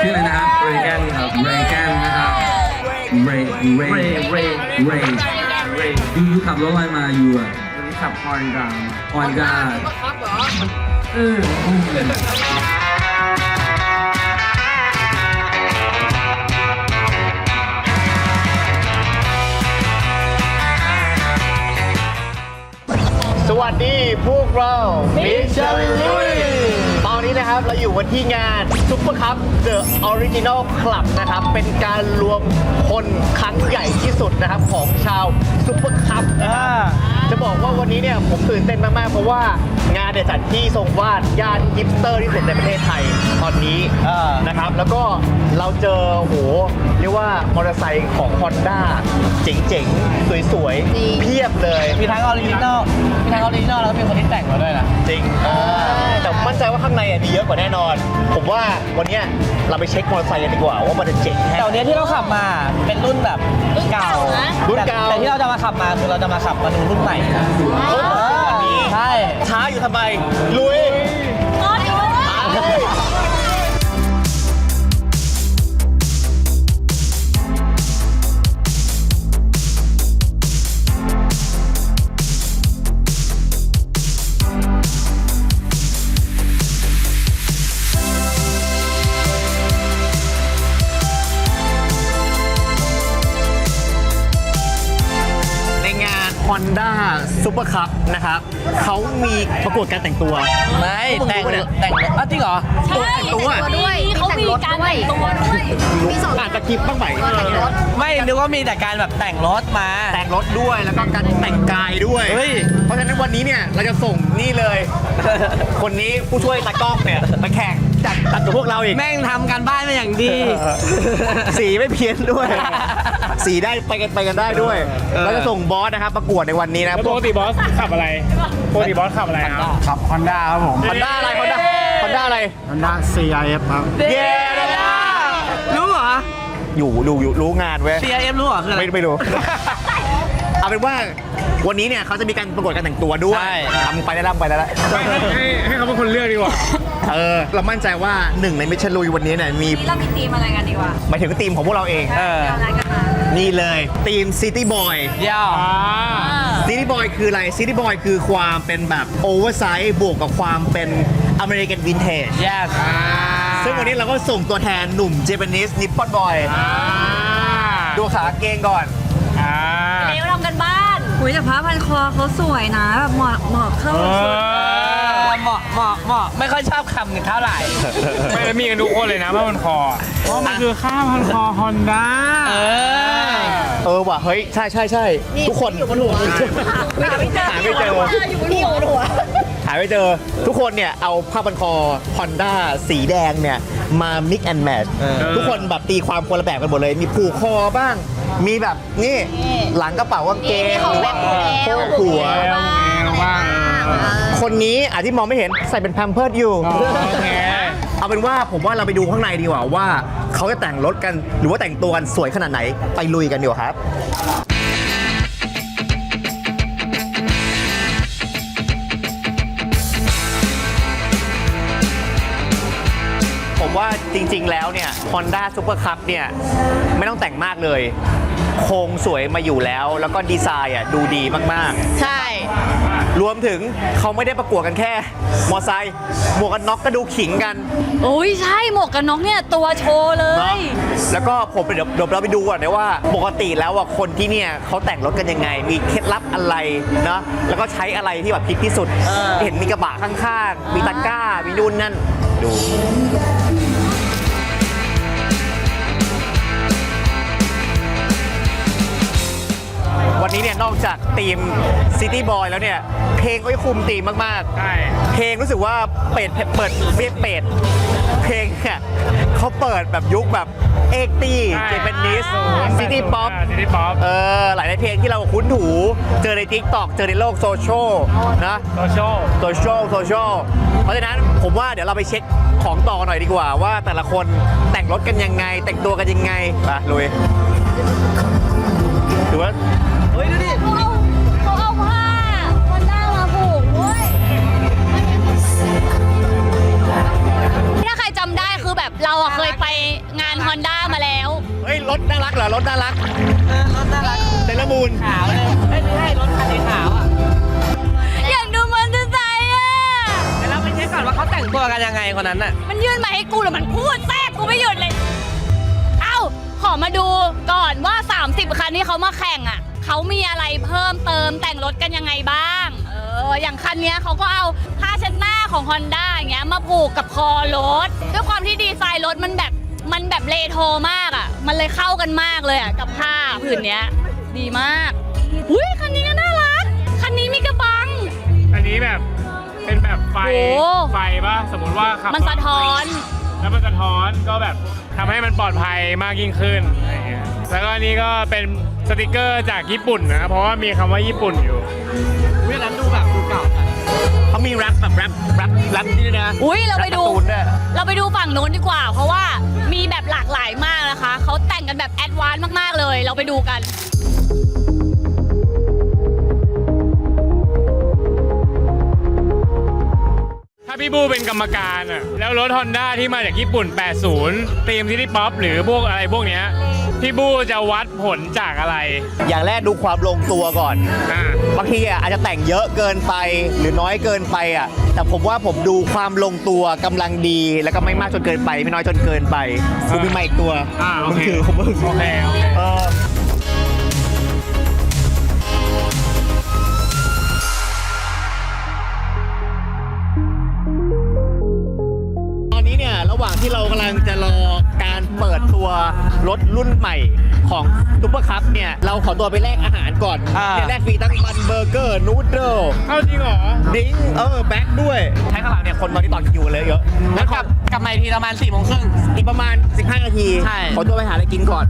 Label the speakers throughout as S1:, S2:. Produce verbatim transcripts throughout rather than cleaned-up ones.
S1: ชื่ออะไรนะครับเรแกนครับเรแกนนะครับเรเรเรเรเรยูยูขับรถอะไรมายูอ่ะขับฮอนด้าฮอนด้าเออ
S2: สวัสดีพวกเรามิชลุยตอนนี้นะครับเราอยู่กันที่งานซุปเปอร์คัพเดอะออริจินอลคลับนะครับเป็นการรวมคนครั้งใหญ่ที่สุดนะครับของชาวซุปเปอร์คัพนะครับจะบอกว่าวันนี้เนี่ยผมตื่นเต้นมากๆเพราะว่างานเนี่ยจัดที่ทรงวาดย่านฮิปสเตอร์ที่สุดในประเทศไทยตอนนี้นะครับแล้วก็เราเจอโหเรียกว่ามอเตอร์ไซค์ของ Honda เจ๋งๆสวยๆเพียบเลยมีทั้งออริจินอลมีทั้งออริจินอลแล้วก็มีคนที่แต่งมาด้วยนะจริงแต่มั่นใจว่าข้างในมีเยอะกว่าแน่นอนผมว่าวันนี้เราไปเช็คมอเตอร์ไซค์กันดีกว่าว่ามันจะเจ๋งแค่แต่วันนี้ที่เราขับมาเป็นรุ่นแบบรุ่นเก่ารุ่นเก่าแต่ที่เราจะมาขับมาคือเราจะมาขับมาดูรุ่นใหม่วันนี้ใช่ช้าอยู่ทำไมลุยHonda Super Cup นะครับเขามีประกวดการแต่งตัวไม่แต่งแต่งอ้าวจริงเหรอใช่แต่งตัวด้วยเขามีการแต่งตัวด้วยมีสองอ่านตะกิบบ้างไหมไม่นึกว่ามีแต่การแบบแต่งรถมาแต่งรถด้วยแล้วก็การแต่งกายด้วยเพราะฉะนั้นวันนี้เนี่ยเราจะส่งนี่เลยคนนี้ผู้ช่วยตากล้องเนี่ยมาแข่งจัดตัดกับพวกเราอีกแม่งทำการบ้านมาอย่างดีสีไม่เพี้ยนด้วยสีได้ไปกันไปกันได้ด้วยเราจะส่งบอสนะครับประกวดในวันนี้นะ
S3: ปกติบอสขับอะไรปกติบอสขับอะไรครับ
S4: ขับ Honda ครับผม
S2: Honda อะไร Honda Honda อะไร
S4: Honda ซี ไอ เอฟ ครับ
S2: เย้รู้เหรออยู่ดูอยู่รู้งานเว้ย
S5: ซี ไอ เอฟ รู้เหรอคืออะไร
S2: ไม่ไม่รู้เอาเป็นว่าวันนี้เนี่ยเขาจะมีการประกวดการแต่งตัวด้วยทำไปได้แล้วไปได้แล้ว
S3: ให้ให้เขาเป็นคนเลือกดีกว่า
S2: เออเรามั่นใจว่าหนึ่งในมิชลุยวันนี้เนี่ยมี
S6: เรามีทีมอะไรกันดีวะ
S2: หมายถึงทีมของพวกเราเอง
S6: อะไรกันมา
S2: นี่เลยทีม City Boy
S5: ยาว
S2: City Boy คืออะไร City Boy คือความเป็นแบบโอเวอร์ไซส์บวกกับความเป็นอเมริกันวินเทจ
S5: yes
S2: ซึ่งวันนี้เราก็ส่งตัวแทนหนุ่มเจแปนิสนิปปอนบอยดูขาเกงก่อน
S6: เดี๋ยวทำกันบ้านหุยแต่ผ้าพันคอเขาสวยนะแบบเหมาะเหมาะเข้าชุด
S5: เหมาะเหมาะเหมาะไม่ค่อยชอบคำหนึ่งเท่าไหร่
S3: ไม่ได้มีกันทุกคนเลยนะผ้าพันคอเพราะมันคือข้าพันคอ Honda
S2: เออเออว่ะเฮ้ยใช่ใช่ใช่ทุกคนอยู่บนหัวหาไม่เจอหาไม่เจออยู่บนหัวหาไม่เจอทุกคนเนี่ยเอาผ้าพันคอ Honda สีแดงเนี่ยมา mix and match ทุกคนแบบตีความคนละแบบกันหมดเลยมีผูกคอบ้างมีแบบนี่หลังกระเป๋ากางเกงหรือว่าโค้งหัว
S3: บ้าง
S2: คนนี้อาจที่มองไม่เห็นใส่เป็นแพมเพิร์ดอยู่เอาเป็นว่าผมว่าเราไปดูข้างในดีกว่าว่าเขาจะแต่งรถกันหรือว่าแต่งตัวกันสวยขนาดไหนไปลุยกันดีกว่าครับผมว่าจริงๆแล้วเนี่ย Honda Super Cup เนี่ยไม่ต้องแต่งมากเลยโครงสวยมาอยู่แล้วแล้วก็ดีไซน์อ่ะดูดีมาก
S6: ๆใช่
S2: รวมถึงเขาไม่ได้ประกวดกันแค่มอไซค์หมวกกันน็อกก็ดูขิงกัน
S6: โอ้ยใช่หมวกกันน็อกเนี่ยตัวโชว์เลย
S2: แล้วก็ผมเดี๋ยวเดี๋ยวเราไปดูก่อนนะว่าปกติแล้วอ่ะคนที่เนี่ยเขาแต่งรถกันยังไงมีเคล็ดลับอะไรนะแล้วก็ใช้อะไรที่แบบพิที่สุดเห็นมีกระบะข้างๆมีตะกร้ามีนู่นนั่นดูวันนี้เนี่ยนอกจากทีม City Boy แล้วเนี่ยเพลงก็คุมทีมมากๆใช่เพลงรู้สึกว่าเปิดเปิดเรียกเปิดเพลงเนี่ยเขาเปิดแบบยุคแบบเอ็กตี้เจแปนิสซิตี้ป๊อปเออหลายในเพลงที่เราคุ้นหูเจอใน TikTok เจอในโลกโซเชียลนะ
S3: โซเชียล
S2: โซเชียลโซเชียลเพราะฉะนั้นผมว่าเดี๋ยวเราไปเช็คของต่อหน่อยดีกว่าว่าแต่ละคนแต่งรถกันยังไงแต่งตัวกันยังไงไปลุยดูว่า
S6: เฮ้ยดูดิเขาเอาเขาเอาผ้าคนหน้ามาผูกด้วยถ้าใครจำได้คือแบบเราอะเคยไป
S2: รถน่ารักเหรอรถน่ารัก
S5: เออรถน่ารัก
S2: เซเลอร์มูน
S5: ขาวเลยไม่ไม่ใช่รถคันสีขาวอ่ะ
S6: อยากดูมอเตอร์ไซค์อ่ะ
S5: เดี๋ยวเราไปเช็คก่อนว่าเขาแต่งตัวกันยังไงคนนั้นน่ะ
S6: มันยื่นมาให้กูแล้วมันพูดแทรกกูไม่หยุดเลย เอ้า ขอมาดูก่อนว่า สามสิบ คันที่เขามาแข่งอ่ะ เขามีอะไรเพิ่มเติมแต่งรถกันยังไงบ้าง เออ อย่างคันเนี้ยเขาก็เอาผ้าเช็ดหน้าของ Honda อย่างเงี้ยมาผูกกับคอรถ ด้วยความที่ดีไซน์รถมันแบบมันแบบเรโทรมากอ่ะ มันเลยเข้ากันมากเลยอ่ะกับผ้าผืนเนี้ย ดีมาก อุ้ยคันนี้ก็น่ารัก คันนี้มีกระบัง
S3: อันนี้แบบเป็นแบบไฟ
S6: โอ้
S3: ไฟป่ะสมมติว่าขับ
S6: มันสะท้อน
S3: แล้วมันสะท้อนก็แบบทำให้มันปลอดภัยมากยิ่งขึ้นอะไรเงี้ยแล้วก็อันนี้ก็เป็นสติกเกอร์จากญี่ปุ่นนะเพราะว่ามีคำว่าญี่ปุ่นอยู่
S5: เวลาดูแบบดูเก่าจัง
S2: เขามีแรปแบบแรปแรปแรปนี่ด้วยนะ
S6: อุ้ยเราไปดู
S2: แปการ์ตูนด้วย
S6: เราไปดูฝั่งโน้นดีกว่า เพราะว่ามีแบบหลากหลายมากนะคะ เขาแต่งกันแบบแอดวานซ์มากๆเลย เราไปดูกัน
S3: ถ้าพี่บูเป็นกรรมการอ่ะแล้วรถ Honda ที่มาจากญี่ปุ่น แปดสิบ ทีมซิตี้ป๊อปหรือพวกอะไรพวกเนี้ยพี่บูจะวัดผลจากอะไร
S2: อย่างแรกดูความลงตัวก่อน
S3: อ่า
S2: บางทีอ่ะอาจจะแต่งเยอะเกินไปหรือน้อยเกินไปอ่ะแต่ผมว่าผมดูความลงตัวกำลังดีแล้วก็ไม่มากจนเกินไปไม่น้อยจนเกินไปกูมีไมค์อีกตัว
S3: อ่าโอ
S2: มึง
S3: เค
S2: ถือของมึง
S3: โอเคโอเค
S2: เออตอนนี้เนี่ยระหว่างที่เรากำลังจะรอการเปิดตัวรถรุ่นใหม่ของซุปเปอร์คัพเนี่ยเราขอตัวไปแลกอาหารก่อน
S5: อ่า
S2: เนี่ยแลกฟรีทั้งบันเบอร์เกอร์นูดเดิล
S3: เข้าจริงเหรอ
S2: ดิ้งเออแบ็คด้วยใช้ข้างหลังเนี่ยคนตอนนี้ต่อคิวเลยเยอะ
S5: แล้วกลับกลับมาอีกทีประมาณสี่โมงครึ่ง
S2: อีกประมาณสิบห้านาที
S5: ใช่
S2: ขอตัวไปหาอะไรกินก่อน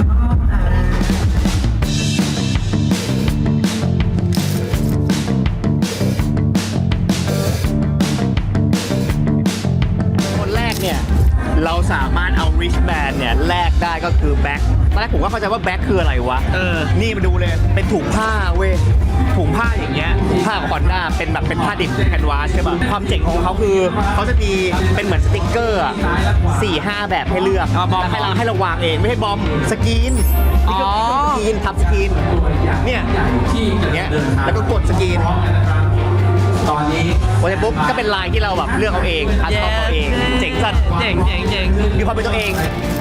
S2: คนแรกเนี่ยเราสามารถเอา rich band เนี่ยแลกได้ก็คือแบ็คตอนแรกผมก็เข้าใจว่าแบ็คคืออะไรวะ
S5: เออ
S2: นี่มาดูเลยเป็นถุงผ้าเว้ยถุงผ้าอย่างเงี้ยถุงผ้าของ Honda เป็นแบบเป็นผ้าดิบแคนวาสใช่ป่ะความเจ๋งของเขาคือเขาจะมีเป็นเหมือนสติกเกอร์อะสี่ห้าแบบให้เลือก
S5: อ๋อบอม
S2: แล้วให้เราให้เราวางเองไม่ให้บอมสกรีน
S5: อ๋อ
S2: สกรีนทับสกรีนเนี่ยอย่างเงี้ยแล้วก็กดสกรีน
S1: ตอนนี้
S2: พอเสร็จปุ๊บก็เป็นลายที่เราแบบเลือกเอาเองคัสตอมเอาเองเจ๋งสัส
S5: เจ๋งเจ๋งเจ๋ง
S2: มีความเป็นตัวเอง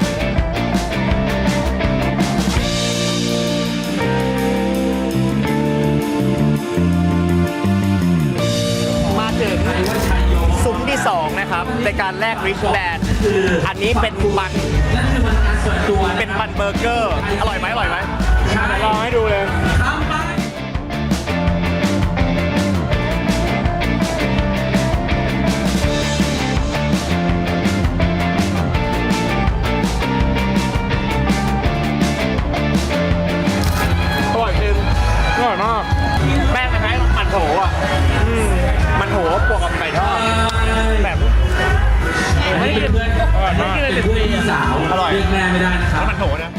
S2: มาถึงซุ้มที่สองนะครับในการแลกริชแบนอันนี้เป็นบันเป็นบันเบอร์เกอร์ อร่อยไหมอร่อยไหม
S3: ลองให้ดูเลย
S2: อร่อยจริง
S3: อร่อยมาก
S2: แป้งคล้ายๆมันโถอ่ะอืมมันโถบวกกับไก่ทอดแบบ
S3: ไม่กินเพื่อนอร่อยมาก
S1: เป็นเพื่อนพี่สาว
S2: อร่อย
S1: เรียกแม่ไม่ได้นะครับ
S2: มันโถนะ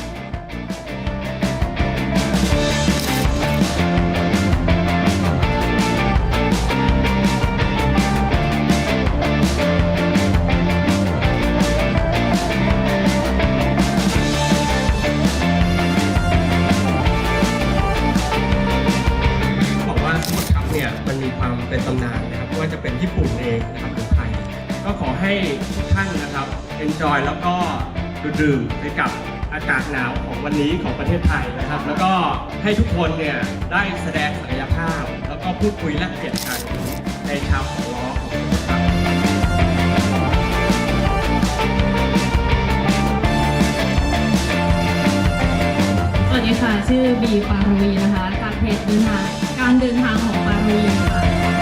S7: บอกว่าซุปเปอร์คัพเนี่ยมันมีความเป็นตำนานนะครับไม่ว่าจะเป็นญี่ปุ่นเองนะครับหรือไทย ก็ขอให้ทุกท่านนะครับ enjoy แล้วก็ดื่มไปกับอากาศหนาวของวันนี้ของประเทศไทยนะครับ แล้วก็ให้ทุกคนเนี่ยได้แสดงศักยภาพ แล้วก็พูดคุยแลกเปลี่ยนกันในชาวของล้อของซุปเปอร์คัพ
S8: สวัสดีค่ะ ชื่อบีปารวีนะคะ จากเพจเดินทางการเดินทางของปารวีค่ะ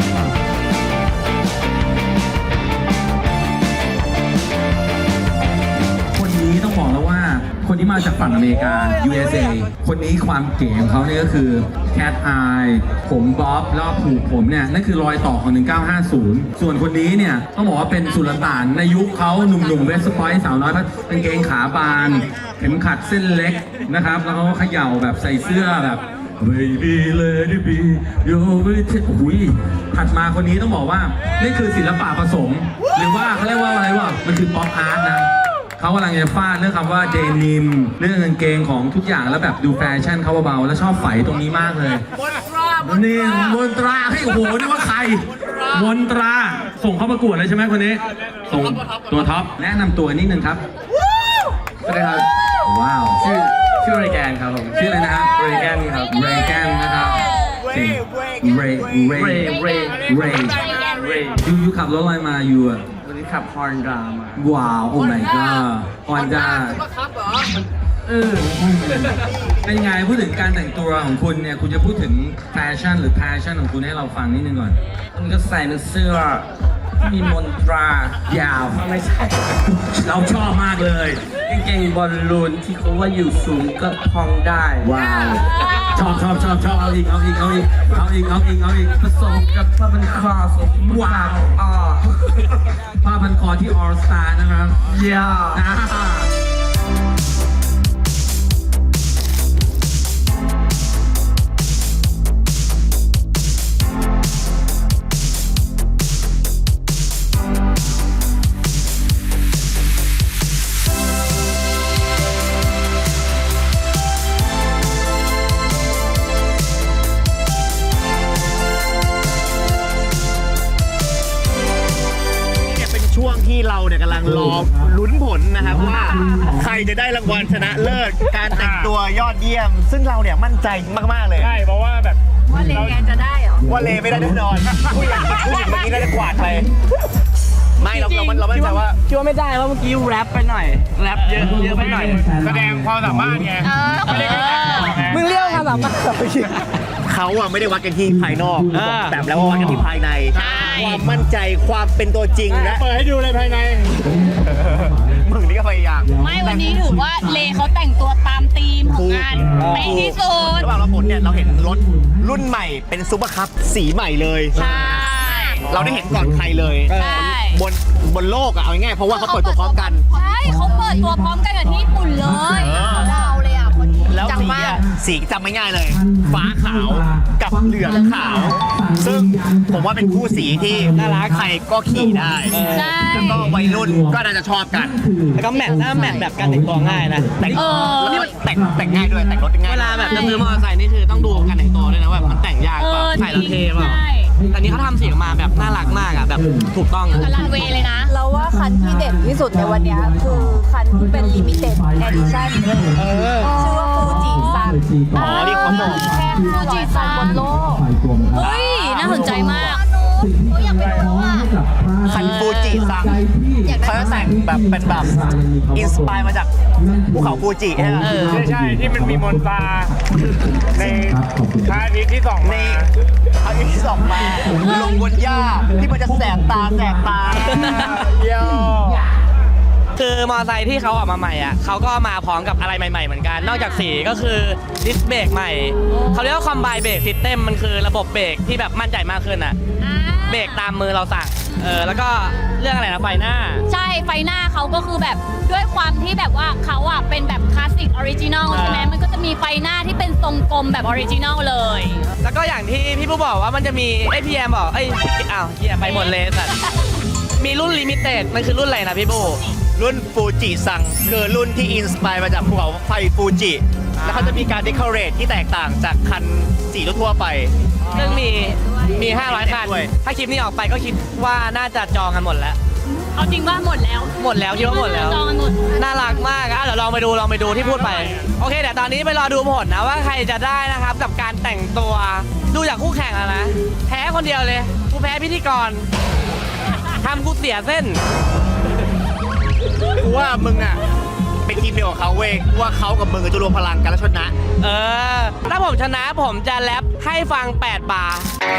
S1: คนนี้ต้องบอกแล้วว่าคนที่มาจากฝั่งอเมริกา ยู เอส เอ คนนี้ความเก๋ของเขาเนี่ยก็คือ cat eye ผมบ๊อบแล้วผูกผมเนี่ยนั่นคือรอยต่อของหนึ่งเก้าห้าศูนย์ส่วนคนนี้เนี่ยต้องบอกว่าเป็นสุลต่านในยุคเขาหนุ่มๆเวสต์พอยต์สาวน้อยกางเกงขาบาน เข็มขัดเส้นเล็กนะครับ แล้วเขาก็เขย่าแบบใส่เสื้อแบบ baby let it be your way หุยถัดมาคนนี้ต้องบอกว่านี่คือศิลปะผสม หรือว่าเขาเรียกว่าอะไรวะมันคือป๊อปอาร์ตนะเขากำลังจะฟาดเรื่องคำว่าเดนิมเรื่องกางเกงของทุกอย่างแล้วแบบดูแฟชั่นเขาเบาๆแล้วชอบไฝตรงนี้มากเลยนี่มนตราเฮ้ยโอ้โหนี่ว่าใครมนตราส่งเข้าประกวดเลยใช่ไหมคนนี้ส่งตัวท็อปแนะนำตัวนิดนึงครับ
S7: สวัสดีครับ
S1: ว้าว
S7: ชื่อชื่อเรแกนครับผม
S1: ชื่ออะไรนะฮะ
S7: เรแกนครับ
S1: เรแกนนะครับเก่งเรเร
S7: เรเร
S1: เร
S7: เร
S1: ยูยูขับรถอะไรมายูอะ
S7: วันนี้ขับฮอนดามา
S1: ว้าวโอ้ my god ฮอนด้า
S7: เออ
S1: เป็นยังไงพูดถึงการแต่งตัวของคุณเนี่ยคุณจะพูดถึงแฟชั่นหรือ passion ของคุณให้เราฟังนิดนึงก่อน
S5: มันก็ใส่เป็นเสื้อมีมนตราย
S1: าว
S5: ไม่ใช่
S1: เราชอบมากเลย
S5: กางเกงบอลลูนที่เขาว่าอยู่สูงก็พองได้
S1: ว้าวชอบชอบชอบชอบเอาอีกเอาอีกเอาอีกเอาอีกเอาอีกเอาอีก
S5: ผสมกับผ้าพันคอสม
S1: ว้าว
S5: อ่า
S1: ผ้าพันคอที่ All Star นะครับ
S5: ยา
S1: อ่า
S2: เนี่ยเป็นช่วงที่เราเนี่ยกำลังรอลุ้นผลนะครับว่าใครจะได้รางวัลชนะเลิศการแต่งตัวยอดเยี่ยม ซึ่งเราเนี่ยมั่นใจมากๆเลย
S3: ใช่เพราะว่าแบบ
S6: ว่าเลแกนจะได้เหรอ
S2: ว่าเลไม่ได้แน่นอนผู้หญิงผู้หญิงเมื่อกี้น่าจะกวาดไปไม่เราเราเรามั่นใจว่า
S5: คิดว่าไม่ได้แล้วเมื่อกี้แรปไปหน่อยแรปเยอะเยอะไปหน่อย
S3: แสดงความสามารถไง
S6: เออ
S3: ไม่ได้แค่แต่งตัวไง
S5: มึงเรียกความสามารถ
S2: เขาอะไม่ได้วัดกันที่ภายนอก
S5: เออ
S2: แต่แล้วว่าวัดกันที่ภายใน ความมั่นใจความเป็นตัวจริงและ
S3: เปิดให้ดูเลยภายใน
S2: มึงนี่ก็พยายาม
S6: ไม่วันนี้ถือว่าเลเขาแต่งตัวตามธีมของงานไปที่สุด
S2: ระหว่างเราผลเนี่ยเราเห็นรถรุ่นใหม่เป็นซุปเปอร์คัพสีใหม่เลย
S6: ใช่
S2: เราได้เห็นก่อนใครเลย
S6: ใช่
S2: บนบนโลกอะเอาง่ายๆเพราะว่าเขาเปิดตัวพร้อมกัน
S6: ใช่เขาเปิดตัวพร้อมกันกับที่ญี่ปุ่นเลยเราเลยอ่ะคนนี้
S2: แล้ว
S6: จัง
S2: สี
S6: มาก
S2: อะสีจำไม่ง่ายเลย ฟ้าขาวกับเหลืองขาว ซึ่งผมว่าเป็นคู่สีที่น่ารักใครก็ขี่ได้
S6: ใช่
S2: แล้วก็วัยรุ่นก็น่าจะชอบกัน
S5: แล้วก็แมทถ้าแมทแบบการแต่งตัวง่ายนะ
S2: แต่ง
S6: เออ
S2: แล้วก็แต่งแต่งง่ายด้วยแต่งรถง่าย
S5: เวลาแบบจะซื้อมอเตอร์ไซค์นี่คือต้องดูการแต่งตัวด้วยนะว่ามันแต่งยาก
S6: เอ
S5: เปล่า
S6: อ
S5: ใส่แล้วเท่เปล่า
S6: ใช่
S5: แต่นี้เขาทำสีออกมาแบบน่ารักมากอ่ะแบบถูกต้อง
S6: กับรันเวย์เลยนะ
S9: เราว่าคันที่เด่นที่สุดในวันเนี้ยคือคันที่เป็น limited edition ชื่อว่าฟูจิซัน
S2: อ๋อนี่เขาบอก
S6: แค่ฟูจิซันบนโลก เฮ้ย น่าสนใจมาก
S9: อยากไปดูแล้วอ่ะ
S2: คันฟูจิซัง
S9: อยากได้
S2: เขาจะแต่งแบบเป็นแบบอินสปายมาจากภูเขาฟูจิใช่ไหม
S5: เออ
S3: ใช่ใช่ที่มันมีมนตราในพระอาทิตย์ที่ส่อง
S2: ใน
S3: มา
S2: อันนี้ที่สองมาลงบนหญ้าที่มันจะแสบตาแสบตา
S3: เยี่ยม
S5: คือมอเตอร์ไซค์ที่เขาออกมาใหม่อ่ะเขาก็มาพร้อมกับอะไรใหม่ๆเหมือนกัน นอกจากสีก็คือดิสเบรกใหม่เขาเรียกว่าคอมไบเบรกซิสเต็มมันคือระบบเบรกที่แบบมั่นใจมากขึ้นอ่ะเบรกตามมือเราสั่งเออแล้วก็เรื่องอะไรนะไฟหน้า
S6: ใช่ ไฟหน้าเขาก็คือแบบด้วยความที่แบบว่าเขาอ่ะเป็นแบบคลาสสิกออริจินอลใช่ไหมมันก็จะมีไฟหน้าที่เป็นทรงกลมแบบออริจินอลเลย
S5: แล้วก็อย่างที่พี่ผู้บอกว่ามันจะมีไอพีเอ็มบอกไอยอ้าวเฮียไปหมดเลยสัตว์มีรุ่นลิมิเต็ดมันคือรุ่นอะไรนะพี่บู
S2: รุ่นฟูจิซังคือรุ่นที่อินสปายมาจากภูเขาไฟฟูจิ แล้วเขาจะมีการเดคอเรทที่แตกต่างจากคันสีทั่วๆไป
S5: ซึ่งมีมีห้าร้อยคัน
S2: ด้วย
S5: ถ้าคลิปนี้ออกไปก็คิดว่าน่าจะจองกันหมดแล้ว
S6: เอาจริงว่าหมดแล้ว
S5: หมดแล้วคิดว่าหมดแล้ว
S6: จองกันหมด
S5: น่ารักมากอ่ะเดี๋ยวลองไปดูลองไปดูที่พูดไป โอเคเดี๋ยวตอนนี้ไปรอดูผลนะว่าใครจะได้นะครับกับการแต่งตัวดูจากคู่แข่งแล้วนะแพ้คนเดียวเลยกูแพ้พิธีกรทำกูเสียเส้น
S2: กูว่ามึงอ่ะเป็นทีมเดียวกับเขาเว้ยกูว่าเขากับมึงจะรวมพลังกันแล้วชนะ
S5: เออ ถ้าผมชนะผมจะแรปให้ฟังแปดบาร์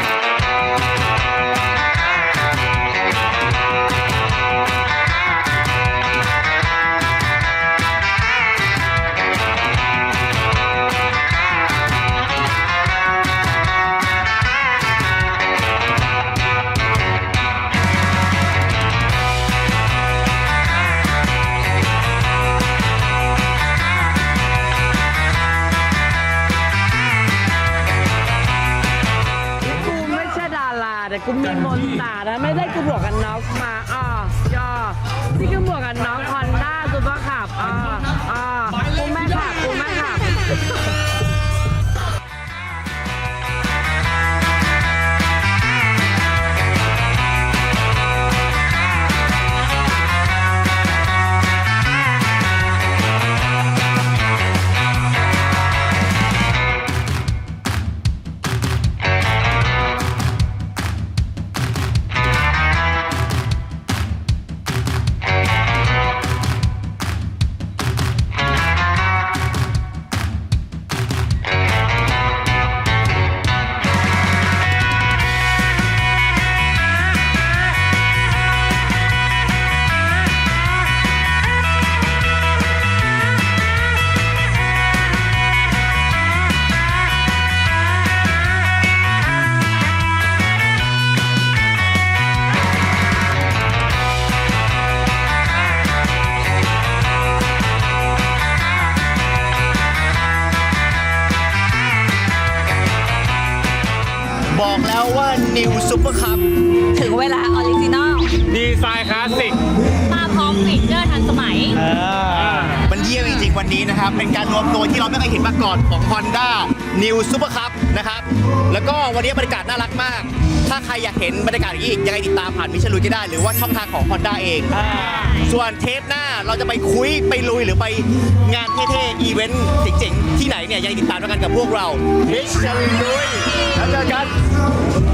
S5: กูไม่ใช่ดาราแต่กูมีมนต์ตานะไม่ได้กูบวกกันน็อกมาอ่อย่อที่กูบวกกันน็อกฮอนด้าซุปเปอร์ขับอ่าอ่าปูแม่ขับปูแม่ขับ
S2: บอกแล้วว่า New Super Cup
S9: ถึงเวลาออริจินอล
S3: ดีไซน์คลาสสิก
S6: มาพร้อมฟีเจอร์ทันสมัย
S2: มันเยี่ยมจริงๆวันนี้นะครับ เป็นการรวมตัวที่เราไม่เคยเห็นมาก่อนของ Honda New Super Cup นะครับ แล้วก็วันนี้บรรยากาศน่ารักมาก ถ้าใครอยากเห็นบรรยากาศอย่างนี้อีกยังไงติดตามผ่านมิชลุยก็ได้ หรือว่าช่องทางของ Honda เอง ส่วนเทปหน้าเราจะไปคุยไปลุยหรือไปงานเท่ๆ อีเวนต์เจ๋งๆ ที่ไหนเนี่ยยังไงติดตามด้วยกันกับพวกเรามิชลุยแล้วเจอกัน